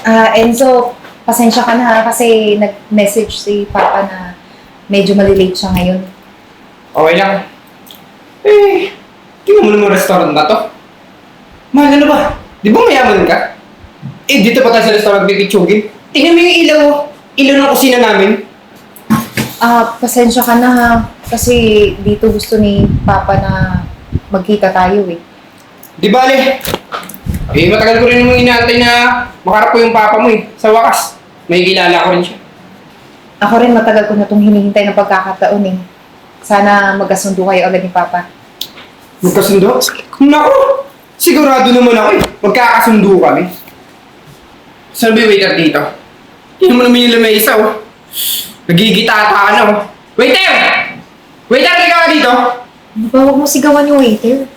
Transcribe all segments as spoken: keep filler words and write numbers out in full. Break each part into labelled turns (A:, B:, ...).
A: Ah, Enzo, pasensya ka na ha, kasi nag-message si Papa na medyo malilate siya ngayon.
B: Okay lang. Eh, tingnan mo naman restaurant na to. Mahal na ba? Di ba mayaman ka? Eh, dito pa tayo sa restaurant pipitsugin. Tingnan mo yung ilaw. Oh. Ilaw ng kusina namin.
A: Ah, pasensya ka na ha, kasi dito gusto ni Papa na magkita tayo eh.
B: Di bale. Eh, matagal ko rin namang inaantay na makarap ko yung papa mo eh. Sa wakas, may kilala ko rin siya.
A: Ako rin matagal ko na itong hinihintay ng pagkakataon eh. Sana magkasundo kayo agad ni Papa.
B: Magkasundo? Naku! Sigurado naman ako eh. Magkakasundo kami. Saan ba yung waiter dito? Tingnan mo naman yung lamesa oh. Nagigitata na oh. Waiter! Waiter, ikaw ka dito?
A: Ano ba, huwag mo sigawan yung waiter.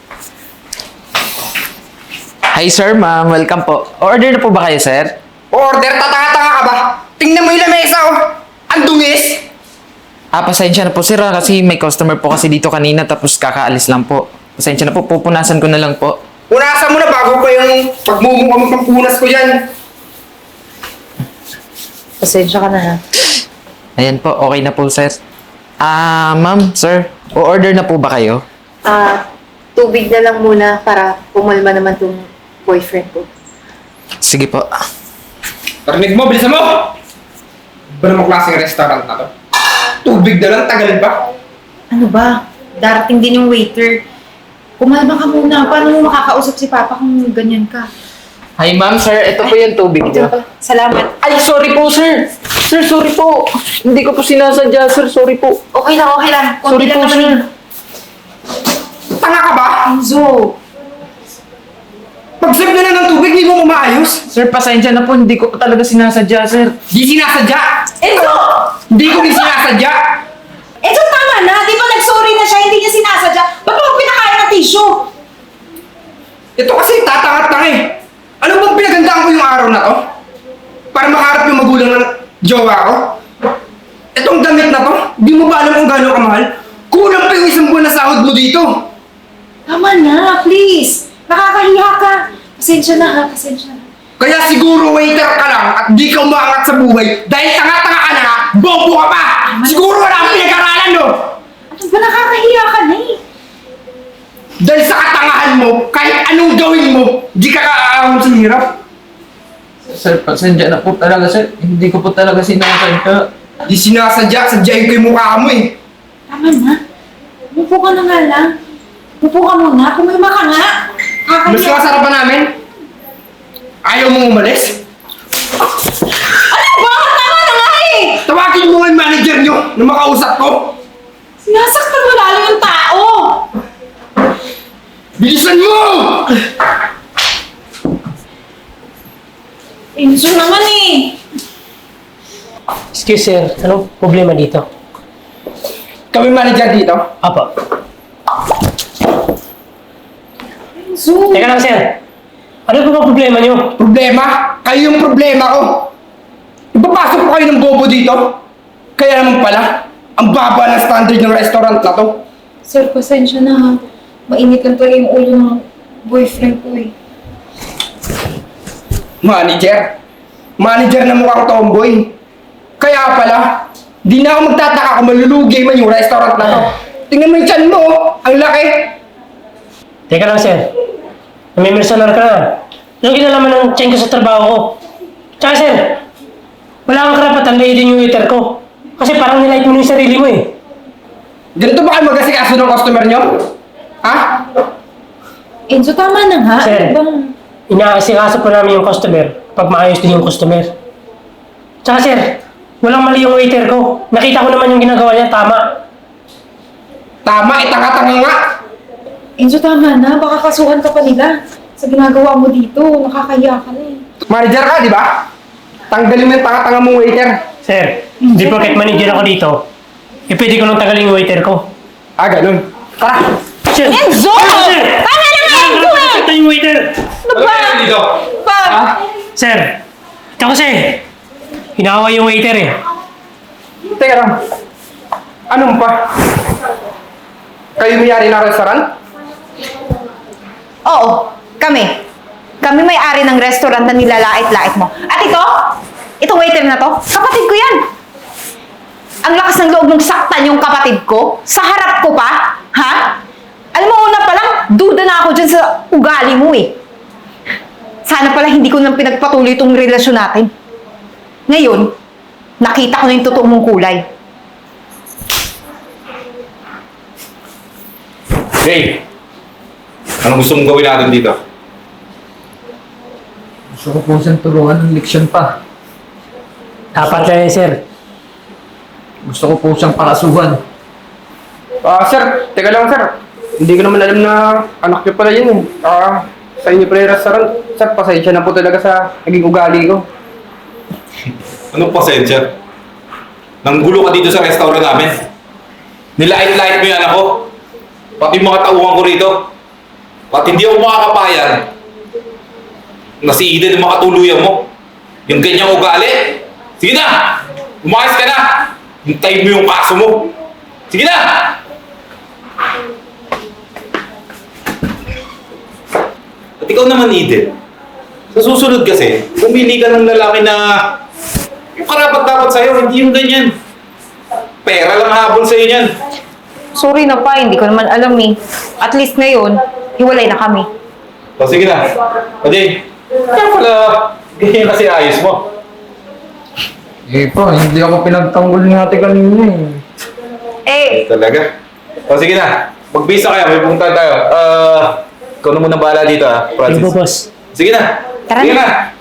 C: Hi sir, ma'am. Welcome po. Order na po ba kayo, sir?
B: Order, tatanga-tanga ka ba? Tingnan mo yung lamesa oh. Ang dungis!
C: Ah, pasensya na po sir ah, kasi may customer po kasi dito kanina tapos kakaalis lang po. Pasensya na po, pupunasan ko na lang po.
B: Punasan mo na bago pa yung pagmumukha mo pampunas ko dyan.
A: Pasensya ka na ha.
C: Ayan po, okay na po sir. Ah, ma'am, sir, o-order na po ba kayo?
A: Ah, tubig na lang muna para pumalma naman tong boyfriend ko.
C: Sige po.
B: Tarinig mo, bilisan mo! Ba namang klaseng restaurant na to? Tubig na lang, tagal pa.
A: Ano ba? Darating din yung waiter. Kumalma ka muna. Paano mo makakausap si Papa kung ganyan ka?
C: Hi ma'am, sir, ito po yung tubig
A: Ito
C: niyo.
A: na pala. Salamat.
C: Ay, sorry po sir. Sir, sorry po. Hindi ko po sinasadya, sir. Sorry po.
A: Okay lang, okay lang. Konti
C: Sorry
A: lang
C: po,
A: naman
C: sir.
A: yun.
B: Tanga ka ba?
A: Enzo!
B: Pag-serve na lang ng tubig, di mo umaayos.
C: Sir, pasensya na po. Hindi ko po talaga sinasadya, sir.
B: Di sinasadya.
A: Enzo!
B: Hindi ko din sinasadya.
A: Enzo, tama na! Di ba nag-sorry na siya, hindi niya sinasadya? Ba't mo pinakain ng tissue?
B: Ito kasi tatangat-tanga eh. Ano bang pinagandaan ko yung araw na to? Para makaharap yung magulang ng jowa ko? Itong damit na to, di mo ba alam kung gano'ng kamahal? Kulang pa yung isang buwan na sahod mo dito.
A: Tama na, please! Nakakahiya ka! Pasensya na ha, pasensya na.
B: Kaya siguro waiter ka lang at di ka umaangat sa buhay dahil tanga-tanga ka na, bobo ka pa! Siguro wala kang pinag-aralan no?
A: Ano ba, nakakahiya ka na eh?
B: Dahil sa katangahan mo, kahit anong gawin mo, di ka kaaahon sa hirap.
C: Sir, pasensya na po talaga, sir. Hindi ko po talaga sinasadya.
B: Di sinasadya, sadyain ko yung mukha mo eh.
A: Tama na. Umupo ka na nga lang. Umupo ka muna, kumalma ka nga.
B: Mas
A: Nakakahiya.
B: kasarapan namin. Ayaw mong umalis?
A: Ano ba? Tama na nga eh!
B: Tawagin mo nga yung manager nyo na makausap ko.
A: Sinasaktan mo lalo yung tao!
B: Bilisan mo!
A: Enzo naman eh!
D: Excuse sir, anong problema dito?
B: Kami manager dito.
D: Apo.
A: Enzo!
D: Teka lang sir. Ano ba ba problema niyo?
B: Problema? Kayo yung problema ko. Ipapasok ko kayo ng bobo dito. Kaya naman pala, ang baba ng standard ng restaurant na to.
A: Sir, pasensya na ha. Mainit lang talaga yung ulo ng boyfriend ko eh.
B: Manager? Manager na mukhang tomboy. Kaya pala, di na ako magtataka kung malulugi man yung restaurant na to. Tingnan mo yung tiyan mo, oh. Ang laki.
D: Teka lang sir. Namimersonar ka na. Anong kinalaman ng tiyan ko sa trabaho ko? Tsaka sir, wala kang karapatan layitin yung waiter ko. Kasi parang nilait mo yung sarili mo eh.
B: Ganito ba kayo mag-asikaso ng customer nyo? Ha?
A: Enzo, tama na nga.
D: Sir.
A: Ano bang...
D: Inaasikaso po namin yung customer pag maayos din yung customer. Tsaka sir, walang mali yung waiter ko. Nakita ko naman yung ginagawa niya, tama.
B: Tama, itanga-tanga nga.
A: Enzo, tama na. Baka kasuhan ka pa nila. Sa ginagawa mo dito, nakakahiya ka na eh.
B: Manager ka, di ba? Tanggalin mo yung tanga-tanga mong waiter.
D: Sir, di porket manager ako dito, eh pwede ko nang tagalin yung waiter ko.
B: Ah, ganun. Tara!
D: Sir!
A: Enzo!
D: Ano, sir?
A: Tama na nga, Enzo eh!
D: Ito yung waiter!
A: Ano ba?
B: dito?
A: Pa!
B: Ha?
D: Sir, ito kasi, hinahawa yung waiter eh.
B: Teka lang. Anong pa? Kayo may-ari ng restaurant?
A: Oo, kami. Kami may-ari ng restaurant na nilalait-lait mo. At ito, itong waiter na to, kapatid ko yan. Ang lakas ng loob mong saktan yung kapatid ko, sa harap ko pa, ha? Alam mo, una pa lang, duda na ako dyan sa ugali mo eh. Sana pala hindi ko nang pinagpatuloy itong relasyon natin. Ngayon, nakita ko na yung totoo mong kulay.
E: Hey! Anong gusto mong gawin natin dito?
C: Gusto ko po siyang tulungan ng leksyon pa.
D: Dapat lang yan, sir.
C: Gusto ko po siyang pakasuhan.
B: Ah, sir, teka lang, sir. Hindi ko naman alam na anak niyo pala yun eh. Ah, sa inyo pala yung restaurant. Sir, pasensya na po talaga sa naging ugali ko.
E: Anong pasensya? Nanggulo ka dito sa restaurant namin. Nilait-lait mo yung anak ko. Pati mga tauhan ko rito. At hindi ako makakapayan na si Eden ang makatuluyan mo. Yung ganyang ugali. Sige na! Umayos ka na! Hintayin mo yung kaso mo. Sige na! At ikaw naman, Eden. Sa susunod kasi, pumili ka ng lalaki na yung karapat dapat sa'yo, hindi yung ganyan. Pera lang habol sa'yo niyan.
A: Sorry na pa, hindi ko naman alam eh. At least ngayon, hiwalay na kami.
E: O sige na. O Jay, kaya pala ganyan kasi ayos mo.
C: Eh po, hindi ako pinagtanggol ni ate kanina eh.
A: Eh,
E: Talaga. O sige na. Magbisa kayo, may pumunta tayo. Ah, ikaw na muna bahala dito ah,
D: Sige po,
E: Francis.
D: boss.
E: Sige na.
A: Tara
E: Sige
A: na.
E: na.